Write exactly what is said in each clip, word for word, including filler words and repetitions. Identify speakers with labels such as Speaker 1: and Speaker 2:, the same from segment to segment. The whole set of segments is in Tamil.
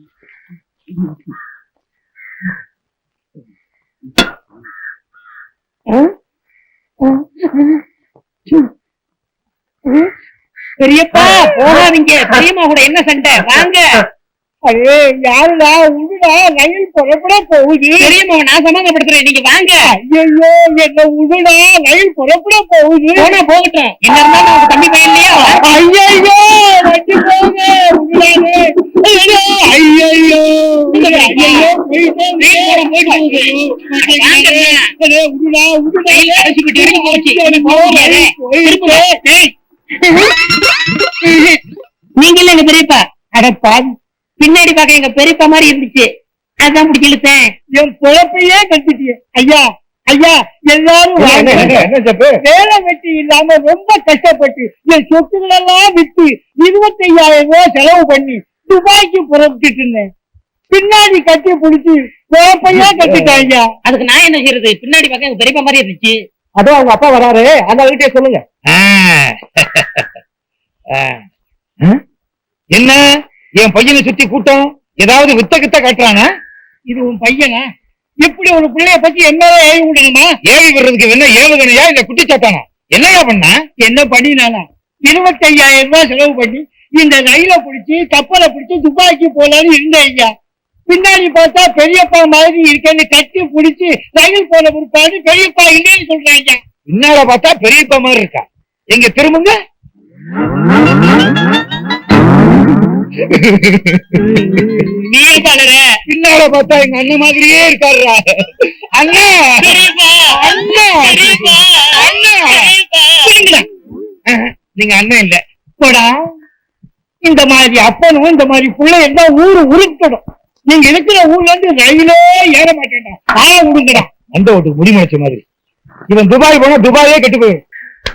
Speaker 1: பெரியப்பா போகாதீங்க, பெரியம்மா கூட என்ன சண்டை, வாங்க.
Speaker 2: அதே யாருடா உடுடா, ரயில் புறப்பட போகுது.
Speaker 1: பெரியம்மா நான் சமாதானப்படுத்துறேன், நீங்க வாங்க.
Speaker 2: ஐயோ என்ன உடுடா, ரயில் புறப்பட போகுது.
Speaker 1: போனா போகட்டும், என்ன இருந்தாலும் நமக்கு தம்பி பையன் இல்லையா?
Speaker 2: ஐயோ வண்டி போங்க, உடுடாது. ஐயோ ஐயோ
Speaker 1: நீங்க இல்ல எங்க பெரியப்பா. அடப்பா, பின்னாடி பார்க்க எங்க பெரியப்பா மாதிரி இருந்துச்சு, அதான் பிடிச்சி இழுத்தேன்.
Speaker 2: என் குழப்பையே கட்டிட்டிய. ஐயா ஐயா எல்லாரும் வேலை வெட்டி இல்லாம ரொம்ப கஷ்டப்பட்டு என் சொத்துக்கள் எல்லாம் விட்டு இருபத்தி ஐயாயிரம் ரூபாய் செலவு பண்ணி துபாய்க்கு புறப்பட்டு இருந்தேன். பின்னாடி கட்டி பிடிச்சி குழப்பையே கட்டிட்டாங்க.
Speaker 1: அதுக்கு நான் என்ன செய்யறது? பின்னாடி பார்க்க எங்க பெரியப்பா மாதிரி இருந்துச்சு.
Speaker 2: அதோ அவங்க அப்பா வராரு, அந்த வீட்டே சொல்லுங்க.
Speaker 3: என்ன என் பையனை சுத்தி கூட்டம் ஏதாவது வித்த கித்த காட்டுறானா?
Speaker 2: இது உன் பையனா? இப்படி ஒரு பிள்ளைய பத்தி என்னவா ஏவி விடணுமா?
Speaker 3: ஏவி விடுறதுக்கு என்ன ஏவுகணையா இல்ல குட்டிச்சாத்தானா? என்னையா பண்ண?
Speaker 2: என்ன பண்ணினானா? இருபத்தி ஐயாயிரம் ரூபாய் செலவு பண்ணி இந்த ரயில பிடிச்சி கப்பலை பிடிச்சி துபாய்க்கு போலான்னு இருந்தேன் ஐயா. பின்னாடி பார்த்தா பெரியப்பா மாதிரி இருக்கேன்னு கட்டி பிடிச்சி ரயில் போன பிற்பாடு பெரியப்பா இல்லைன்னு சொல்றாங்க.
Speaker 3: பின்னால பார்த்தா பெரியப்பா மாதிரி இருக்கா? எங்க திரும்புங்க. பின்னால பார்த்தா எங்க அண்ணன் மாதிரியே இருக்காருடா. அண்ணா அண்ணா நீங்க அண்ணன் இல்ல
Speaker 2: போடா. இந்த மாதிரி அப்பனும் இந்த மாதிரி பிள்ளை இருந்தா ஊரு உருக்கணும். நீங்க இருக்கிற ஊர்ல இருந்து ரயிலே ஏற மாட்டேன்டா. ஆ விடுங்கடா.
Speaker 3: அந்த ஓட்டு முடிமுடிச்ச மாதிரி. இவன் துபாய் போனா துபாயே கெட்டு போயிடும்.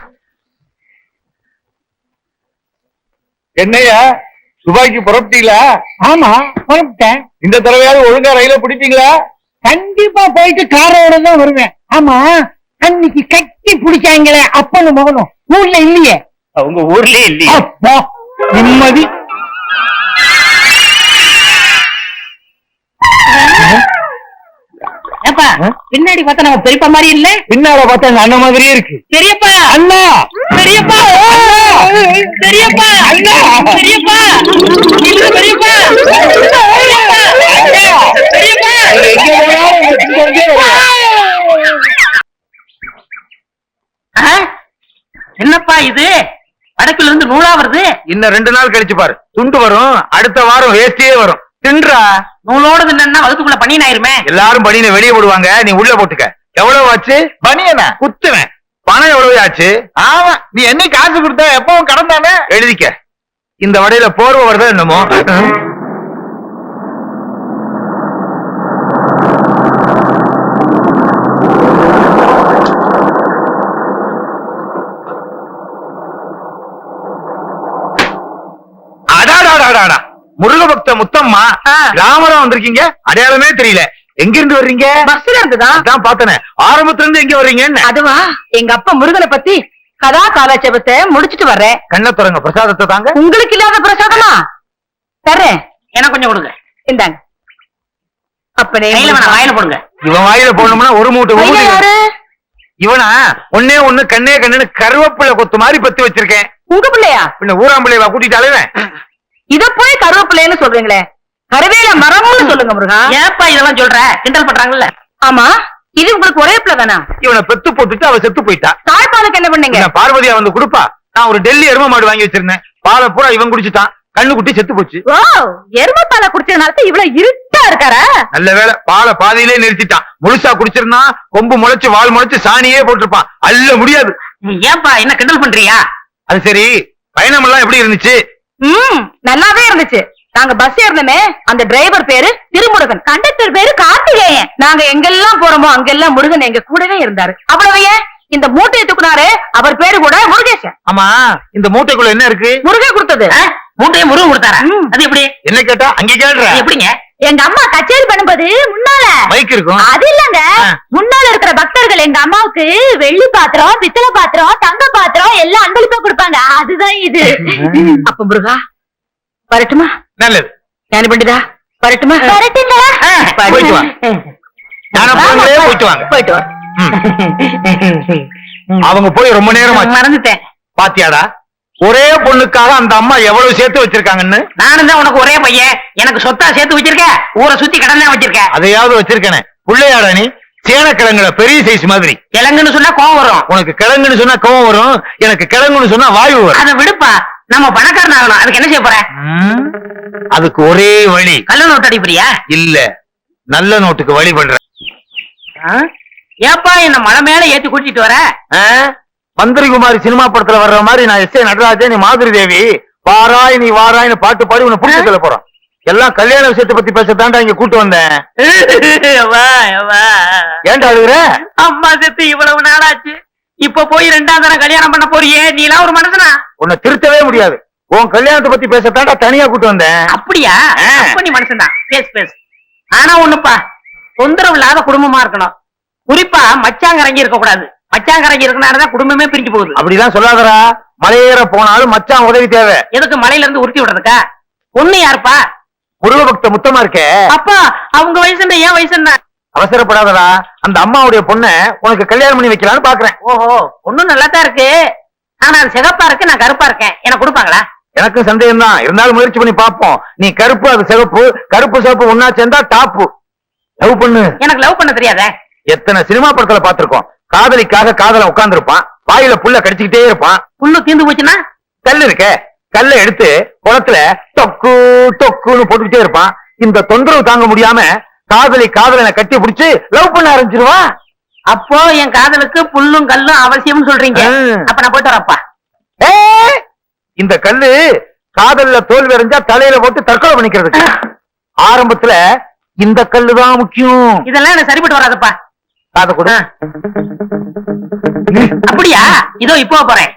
Speaker 3: என்னையா துபாய்க்கு புறப்பட்டீங்களா?
Speaker 2: ஆமா புறப்பட்டேன்.
Speaker 3: இந்த தடவையாவது ஒழுங்கா ரயில பிடிப்பீங்களா?
Speaker 2: கண்டிப்பா போயிட்டு காரோட தான் வருவேன். ஆமா அன்னைக்கு கட்டி பிடிச்சாங்களே அப்பனும் மகனும் ஊர்ல இல்லையே?
Speaker 3: உங்க ஊர்லயே இல்லையே?
Speaker 2: அப்பா நிம்மதி.
Speaker 1: ஏப்பா பின்னாடி பார்த்தா நம்ம பெரியப்பா மாதிரி இல்ல?
Speaker 3: பின்னால பார்த்தா எங்க அண்ணன் மாதிரியே இருக்கு.
Speaker 1: பெரியப்பா
Speaker 3: அண்ணா
Speaker 1: பெரியப்பா பெரியப்பா அண்ணா பெரியப்பா இல்ல பெரியப்பா என்னப்பா இது? வடக்குல இருந்து நூலா வருது.
Speaker 3: இன்னும் ரெண்டு நாள் கழிச்சு பாரு, துண்டு வரும். அடுத்த வாரம் வேஸ்டியே வரும். தின்றா.
Speaker 1: நூலோட தின்னா வகுத்துக்குள்ள பனியன் ஆயிருமே.
Speaker 3: எல்லாரும் பனியனை வெளியே போடுவாங்க, நீ உள்ள போட்டுக்க. எவ்வளவு ஆச்சு பனியனா? குத்துவேன். பணம் எவ்வளவு ஆச்சு? ஆமா நீ என்ன காசு கொடுத்த எப்பவும் கடன் தானே. எழுதிக்க. இந்த வடையில போர்வை வருதா என்னமோ. முருக பக்த முத்தம்மா ராமரா வந்திருக்கீங்க. அடையாளமே தெரியல. எங்க இருந்து வர்றீங்க?
Speaker 1: பஸ்ல இருந்துதான்
Speaker 3: பாத்தனே. ஆரம்பத்துல இருந்து எங்க வர்றீங்க?
Speaker 1: அதுவா எங்க அப்பா முருகனை பத்தி கதா காலாட்சேபத்தை முடிச்சிட்டு வர்றேன்.
Speaker 3: கண்ண துறங்க, பிரசாதத்தை தாங்க.
Speaker 1: உங்களுக்கு இல்லாத பிரசாதமா? தர்றேன். எனக்கு கொஞ்சம் கொடுங்க. இந்தாங்க. அப்பனே வாயில போடுங்க.
Speaker 3: இவன் வாயில போடணும்னா ஒரு மூட்டை. இவனா ஒன்னே ஒண்ணு கண்ணே கண்ணுன்னு கருவேப்பிள்ளை கொத்து மாதிரி பத்தி வச்சிருக்கேன்.
Speaker 1: உங்க பிள்ளையா?
Speaker 3: பின்ன ஊராம்பிள்ளைவா கூட்டிட்டு அலைவேன்.
Speaker 1: இத போய் கருவேப்பிள்ளைன்னு சொல்றீங்களே, கருவேல மரம்னு சொல்லுங்க முருகா. ஏப்பா இதெல்லாம் சொல்ற? கிண்டல் பண்றாங்கல்ல. ஆமா இது உங்களுக்கு ஒரே பிள்ளை தானா?
Speaker 3: இவனை பெத்து போட்டுட்டு அவ செத்து போயிட்டா.
Speaker 1: தாய்ப்பாலுக்கு என்ன பண்ணீங்க?
Speaker 3: பார்வதியா வந்து கொடுப்பா. நான் ஒரு டெல்லி எரும மாடு வாங்கி வச்சிருந்தேன். பாலை பூரா இவன் குடிச்சுட்டான். கண்ணு குட்டி செத்து போச்சு.
Speaker 1: ஓ எரும பாலை குடிச்சதுனால இவ்வளவு இருட்டா இருக்காரா?
Speaker 3: நல்ல வேலை பாலை பாதியிலே நிறுத்திட்டான். முழுசா குடிச்சிருந்தா கொம்பு முளைச்சு வால் முளைச்சு சாணியே போட்டிருப்பான். அல்ல முடியாது.
Speaker 1: ஏன்பா என்ன கிண்டல் பண்றியா?
Speaker 3: அது சரி, பயணம் எல்லாம் எப்படி இருந்துச்சு?
Speaker 1: ம் நல்லாவே இருந்துச்சு. நாங்க பஸ் ஏறணுமே, அந்த டிரைவர் பேரு திருமுருகன், கண்டக்டர் பேரு கார்த்திகேயன். நாங்க எங்கெல்லாம் போறோமோ அங்கெல்லாம் முருகன் எங்க கூடவே இருந்தாரு. அவ்வளவு ஏன் இந்த மூட்டையை தூக்குனாரு, அவர் பேரு கூட முருகேசன்.
Speaker 3: ஆமா இந்த மூட்டைக்குள்ள என்ன இருக்கு?
Speaker 1: முருகன் கொடுத்தது. மூட்டையை முருகன் கொடுத்தாரா? அது எப்படி?
Speaker 3: என்ன கேட்டா அங்க கேள்ற.
Speaker 1: எப்படிங்க? எங்க அம்மா கச்சேரி பண்ணும்போது முன்னால
Speaker 3: மைக் இருக்கும்.
Speaker 1: அது இல்லங்க, முன்னால இருக்கிற பக்தர்கள் எங்க அம்மாவுக்கு வெள்ளி பாத்திரம், பித்தளை பாத்திரம், தங்க பாத்திரம் எல்லாம் அன்பளிப்பா கொடுப்பாங்க. அதுதான் இது. அப்ப முருகா வரட்டுமா?
Speaker 3: நல்லது.
Speaker 1: ஞானி பண்டிதா வரட்டுமா? வரட்டுங்களா?
Speaker 3: போயிட்டு வா. ஞானப்பழங்களே போயிட்டு வாங்க.
Speaker 1: போயிட்டு வா.
Speaker 3: ம். அவங்க போய் ரொம்ப நேரம் ஆச்சு.
Speaker 1: மறந்துட்டேன்.
Speaker 3: பாத்தியாடா, ஒரே பொண்ணுக்காக அந்த அம்மா எவ்வளவு சேர்த்து வச்சிருக்காங்கன்னு.
Speaker 4: நானும் தான் உனக்கு ஒரே பையன், எனக்கு சொத்தா சேர்த்து வச்சிருக்க, ஊரை சுத்தி கடன் தான் வச்சிருக்க.
Speaker 3: அதையாவது வச்சிருக்கேனே. பிள்ளையாடா நீ? சேனக்கிழங்குல பெரிய சைஸ் மாதிரி.
Speaker 4: கிழங்குன்னு சொன்னா கோவம் வரும்.
Speaker 3: உனக்கு கிழங்குன்னு சொன்னா கோவம் வரும், எனக்கு கிழங்குன்னு சொன்னா வாயு வரும்.
Speaker 4: அதை விடுப்பா, நம்ம பணக்காரன் ஆகணும். அதுக்கு என்ன செய்ய போற?
Speaker 3: ம். அதுக்கு ஒரே வழி.
Speaker 4: கள்ள நோட்டு அடிப்படியா?
Speaker 3: இல்ல, நல்ல நோட்டுக்கு வழி பண்ற.
Speaker 4: ஏப்பா என்ன மலை மேல ஏத்தி கூட்டிட்டு வர?
Speaker 3: ஆ? மந்திரிகுமாரி சினிமா படத்துல வர்ற மாதிரி நான் எஸ் ஏ நடராஜன், நீ மாதிரி தேவி வாராய் நீ வாராய்னு பாட்டு பாடி உன்னை புடிச்சு சொல்ல போறோம். எல்லாம் கல்யாண விஷயத்தை பத்தி பேசத்தாண்டா இங்க கூட்டு வந்தேன்.
Speaker 4: எவ்வா, எவ்வா.
Speaker 3: ஏன்டா அழுகுற?
Speaker 4: அம்மா செத்து இவ்வளவு நாளாச்சு, இப்ப போய் ரெண்டாம் தரம் கல்யாணம் பண்ண போறியே, நீ எல்லாம் ஒரு மனுஷனா?
Speaker 3: உன்னை திருத்தவே முடியாது. உன் கல்யாணத்தை பத்தி பேசத்தாண்டா தனியா கூட்டு வந்தேன்.
Speaker 4: அப்படியா? அப்ப நீ மனுஷன் தான். பேசு பேசு. ஆனா ஒண்ணுப்பா, தொந்தரவு இல்லாத குடும்பமா இருக்கணும். குறிப்பா மச்சாங்கரங்கி இருக்க கூடாது. மச்சாங்கரங்கி இருக்கனாலதான் குடும்பமே பிரிஞ்சு போகுது.
Speaker 3: அப்படிலாம் சொல்லாதடா. மலையேற போனாலும் மச்சான் உதவி தேவை.
Speaker 4: எதுக்கு மலையில இருந்து உருட்டி விடுறதுக்கா? பொண்ணு யாருப்பா?
Speaker 3: முருக பக்த முத்தமா இருக்கே.
Speaker 4: அப்பா அவங்க வயசு என்ன, ஏன் வயசு என்ன?
Speaker 3: அவசரப்படாதடா. அந்த அம்மாவுடைய பொண்ணை உனக்கு கல்யாணம் பண்ணி வைக்கலான்னு பாக்குறேன்.
Speaker 4: ஓஹோ, பொண்ணு நல்லா தான் இருக்கு. ஆனா அது சிகப்பா இருக்கு, நான் கருப்பா இருக்கேன். எனக்கு கொடுப்பாங்களா?
Speaker 3: எனக்கு சந்தேகம் தான், இருந்தாலும் முயற்சி பண்ணி பாப்போம். நீ கருப்பு, அது சிவப்பு. கருப்பு சிவப்பு ஒன்னா சேர்ந்தா டாப்பு. லவ் பண்ணு.
Speaker 4: எனக்கு லவ் பண்ண தெரியாதே.
Speaker 3: எத்தனை சினிமா படத்துல பாத்திருக்கோம். காதலிக்காக காதல உட்கார்ந்து இருப்பான், வாயில புல்ல கடிச்சுக்கிட்டே இருப்பான்.
Speaker 4: புல்லு தீந்து போச்சுன்னா
Speaker 3: கல்லு இருக்க, கல்ல எடுத்து குளத்துல தொக்கு தொக்குன்னு போட்டுக்கிட்டே இருப்பான். இந்த தொந்தரவு தாங்க முடியாம காதலி காதலனை கட்டி பிடிச்சு லவ் பண்ண ஆரம்பிச்சிருவா.
Speaker 4: அப்போ என் காதலுக்கு புல்லும் கல்லும் அவசியம் சொல்றீங்க.
Speaker 3: ம்.
Speaker 4: அப்ப நான் போயிட்டு வரப்பா.
Speaker 3: ஏ, இந்த கல்லு காதல்ல தோல்வி அடைஞ்சா தலையில போட்டு தற்கொலை பண்ணிக்கிறதுக்கு. ஆரம்பத்துல இந்த கல்லுதான் முக்கியம்.
Speaker 4: இதெல்லாம் எனக்கு சரிப்பட்டு வராதுப்பா.
Speaker 3: காத கூட
Speaker 4: அப்படியா? இதோ இப்போ போறேன்.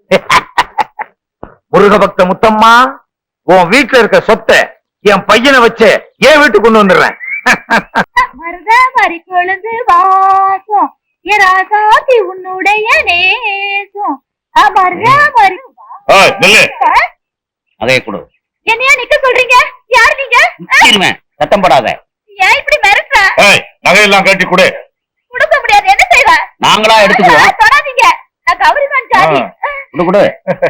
Speaker 3: முருக பக்த முத்தம்மா, உன் வீட்டுல இருக்க சொத்தை என் பையனை வச்சு என் வீட்டுக்கு கொண்டு வந்துடுறேன்.
Speaker 5: மருதமரி கொழுந்து வாசம் எராசாத்தி உன்னுடைய நேசம் மருதமரி.
Speaker 6: அதே கொடு.
Speaker 5: என்னையா நிக்க சொல்றீங்க? யார் நீங்க?
Speaker 6: நிறுத்திடுவேன், சத்தம் போடாத.
Speaker 5: ஏன் இப்படி மிரட்டுற?
Speaker 3: நகையெல்லாம் கட்டி கொடு.
Speaker 5: கொடுக்க முடியாது, என்ன செய்வ?
Speaker 6: நாங்களா எடுத்துக்குவோம்.
Speaker 5: தொடாதீங்க, நான் கௌரிதான் ஜாதி.
Speaker 6: கொடு கொடு.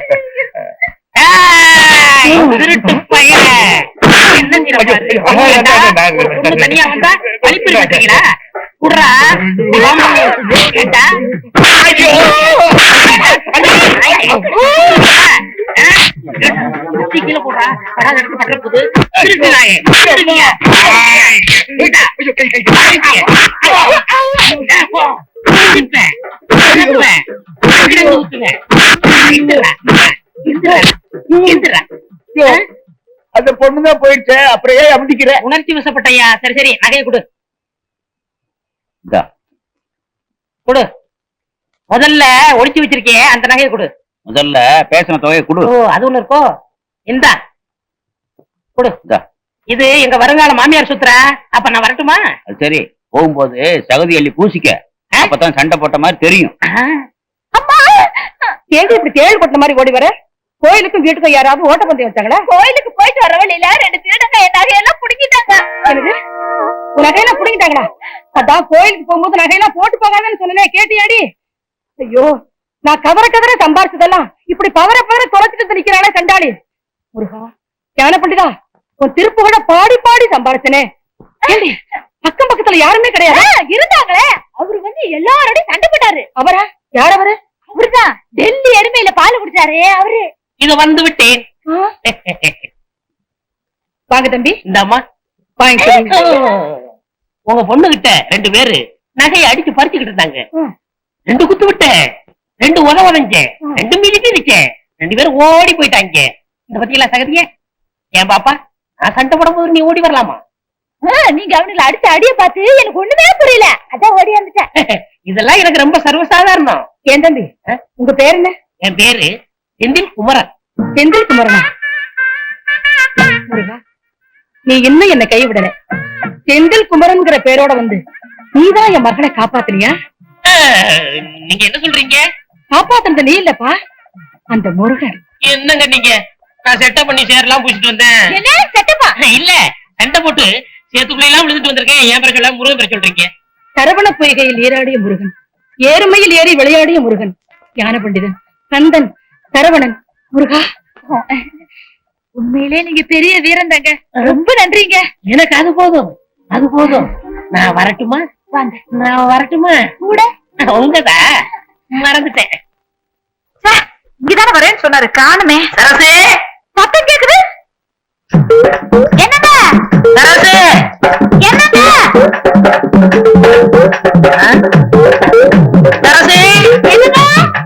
Speaker 4: ஏய், திருட்டு பையன். என்ன செய்யற பாரு. ஒரு பொண்ணு தனியா வந்தா வலிப்பு கட்டுறீங்களா? குடுறா. ஏண்டா? ஐயோ. குத்தி கீழே போடுறா. படாத இடத்துல பட்டுற போகுது. திருட்டு நாயே. திருடுங்க. ஏண்டா? போ. திருப்பேன். திருப்பேன். கிடந்து ஊத்துங்க. எந்திரா. எந்திரா. எந்திரா.
Speaker 2: அந்த பொண்ணுதான் போயிடுச்சு, அப்புறம் ஏன் அப்படிக்கிற?
Speaker 4: உணர்ச்சி வசப்பட்டையா? சரி சரி, நகையை கொடு.
Speaker 6: இந்தா.
Speaker 4: கொடு. முதல்ல ஒளிச்சு வச்சிருக்கே அந்த நகையை கொடு.
Speaker 6: முதல்ல பேசின தொகையை கொடு.
Speaker 4: ஓ, அது ஒண்ணு இருக்கோ? இந்தா கொடு.
Speaker 6: இந்தா.
Speaker 4: இது எங்க வருங்கால மாமியார் சுத்துற. அப்ப நான் வரட்டுமா?
Speaker 6: அது சரி, போகும்போது சகதி அள்ளி பூசிக்க. அப்பதான் சண்டை போட்ட மாதிரி தெரியும்.
Speaker 1: ஏங்க இப்படி தேள் கொட்ட மாதிரி ஓடி வர? கோயிலுக்கும் வீட்டுக்கும் யாராவது ஓட்டப்பந்தயம் வச்சாங்களா?
Speaker 5: கோயிலுக்கு போயிட்டு வர வழியில ரெண்டு திருடங்க என் நகையெல்லாம் புடிக்கிட்டாங்க.
Speaker 1: என்னது? உன் நகையெல்லாம் புடிங்கிட்டாங்களா? அதான் கோயிலுக்கு போகும்போது நகையெல்லாம் போட்டு போகாதன்னு சொன்னேன், கேட்டியாடி? ஐயோ, நான் கவர கவர சம்பாரிச்சதெல்லாம் இப்படி பவர பவர தொலைச்சிட்டு நிக்கிறானே கண்டாளி. முருகா, ஞான பண்டிதா, உன் திருப்பு கூட பாடி பாடி சம்பாரிச்சனே. ஏண்டி, அக்கம் பக்கத்துல யாருமே கிடையாது?
Speaker 5: இருந்தாங்களே, அவரு வந்து எல்லாரோடையும் சண்டை போட்டாரு.
Speaker 1: அவரா? யார் அவரு?
Speaker 5: அவருதான் டெல்லி எருமையில பால் குடிச்சாரு அவரு.
Speaker 4: இது வந்து விட்டேன்.
Speaker 1: வாங்க தம்பி.
Speaker 4: இந்த அம்மா
Speaker 1: வாங்க.
Speaker 4: உங்க பொண்ணு கிட்ட ரெண்டு பேரு நகையை அடிச்சு பறிச்சுக்கிட்டு இருந்தாங்க. ரெண்டு குத்து விட்டேன், ரெண்டு உத உதஞ்சேன், ரெண்டு மிதிச்சு நிச்சேன். ரெண்டு பேரும் ஓடி போயிட்டாங்க. இந்த பத்தியெல்லாம் சகதிய ஏன் பாப்பா, நான் சண்டை போடும் போது நீ ஓடி வரலாமா?
Speaker 5: நீங்க அவனுங்களை அடிச்ச அடிய பார்த்து எனக்கு ஒண்ணுமே புரியல, அதான் ஓடி வந்துட்டேன்.
Speaker 4: இதெல்லாம் எனக்கு ரொம்ப சர்வசாதாரணம்.
Speaker 1: ஏன் தம்பி, உங்க பேர் என்ன?
Speaker 4: என் பேரு செந்தில் குமரன்.
Speaker 1: செந்தில் குமரனா? நீ இன்னும் என்ன கைவிடல. செந்தில் குமரன்ங்கிற பேரோட வந்து நீதான் என் மகளை காப்பாத்துனியா?
Speaker 4: நீங்க என்ன சொல்றீங்க?
Speaker 1: காப்பாத்துனது நீ இல்லப்பா, அந்த முருகன்.
Speaker 4: என்னங்க நீங்க? நான் செட்டப் பண்ணி சேரலாம் பூச்சிட்டு வந்தேன்.
Speaker 5: என்ன செட்டப்பா?
Speaker 4: இல்ல, சண்டை போட்டு சேத்துக்குள்ள எல்லாம் விழுந்துட்டு வந்திருக்கேன். ஏன் பேர சொல்ல முருகன் பேர சொல்றீங்க?
Speaker 1: சரவண பொய்கையில் நீராடிய முருகன், ஏறுமையில் ஏறி விளையாடிய முருகன், ஞான பண்டிதன், கந்தன், சரவணன், முருகா.
Speaker 5: உண்மையிலே நீங்க பெரிய வீரன் தாங்க. ரொம்ப நன்றிங்க.
Speaker 4: எனக்கு அது போதும், அது போதும். நான் வரட்டுமா?
Speaker 5: வாங்க.
Speaker 4: நான் வரட்டுமா?
Speaker 5: கூட
Speaker 4: உங்கதா மறந்துட்டேன்.
Speaker 1: இங்கதானே வரேன்னு சொன்னாரு, காணுமே.
Speaker 4: சரசே,
Speaker 1: சத்தம் கேக்குது. என்னங்க
Speaker 4: சரசே,
Speaker 1: என்னங்க
Speaker 4: சரசே,
Speaker 1: என்னங்க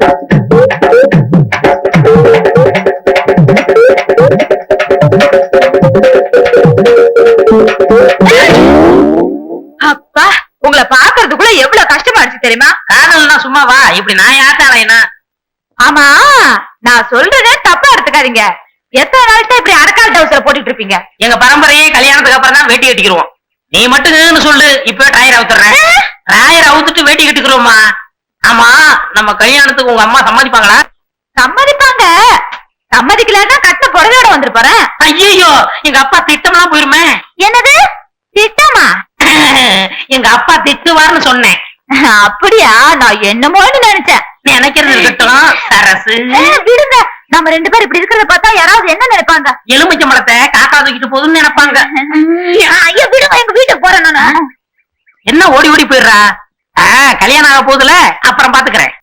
Speaker 1: அப்பா, உங்களை பாக்குறதுக்குள்ள எவ்வளவு கஷ்டமா இருந்துச்சு தெரியுமா?
Speaker 4: காதல்னா சும்மாவா? இப்படி நான் யாத்தானா?
Speaker 1: ஆமா, நான் சொல்றதே தப்பா எடுத்துக்காதீங்க. எத்தனை நாள்கிட்ட இப்படி அடக்கால் டவுசரை போட்டுட்டு இருப்பீங்க?
Speaker 4: எங்க பரம்பரையே கல்யாணத்துக்கு அப்புறம் தான் வேட்டி கட்டிக்கிறோம். நீ மட்டும் சொல்லு, இப்ப டயர் அவுத்துறேன். டயர் அவுத்துட்டு வேட்டி கட்டிக்கிறோமா? ஆமா, நம்ம கல்யாணத்துக்கு உங்க அம்மா சம்மதிப்பாங்களா?
Speaker 1: சம்மதிப்பாங்க. சம்மதிக்கலன்னா கட்ட புடவையோட வந்திருப்பாரு.
Speaker 4: ஐயோ, எங்க அப்பா திட்டம்லாம் போயிருமே.
Speaker 1: என்னது திட்டமா?
Speaker 4: எங்க அப்பா திட்டுவார்னு சொன்னேன்.
Speaker 1: அப்படியா? நான் என்னமோன்னு நினைச்சேன்.
Speaker 4: நினைக்கிறது இருக்கட்டும் சரசு.
Speaker 1: ஏய், விடுங்க. நம்ம ரெண்டு பேரும் இப்படி இருக்கிறத பார்த்தா யாராவது என்ன நினைப்பாங்க?
Speaker 4: எலுமிச்சம்பழத்தை காக்கா தூக்கிட்டு போகுதுன்னு நினைப்பாங்க.
Speaker 1: ஐயா விடுங்க, எங்க வீட்டுக்கு போறேன் நானு.
Speaker 4: என்ன ஓடி ஓடி போயிடுறா? கல்யாணம் ஆக போகுதுல, அப்புறம் பாத்துக்கிறேன்.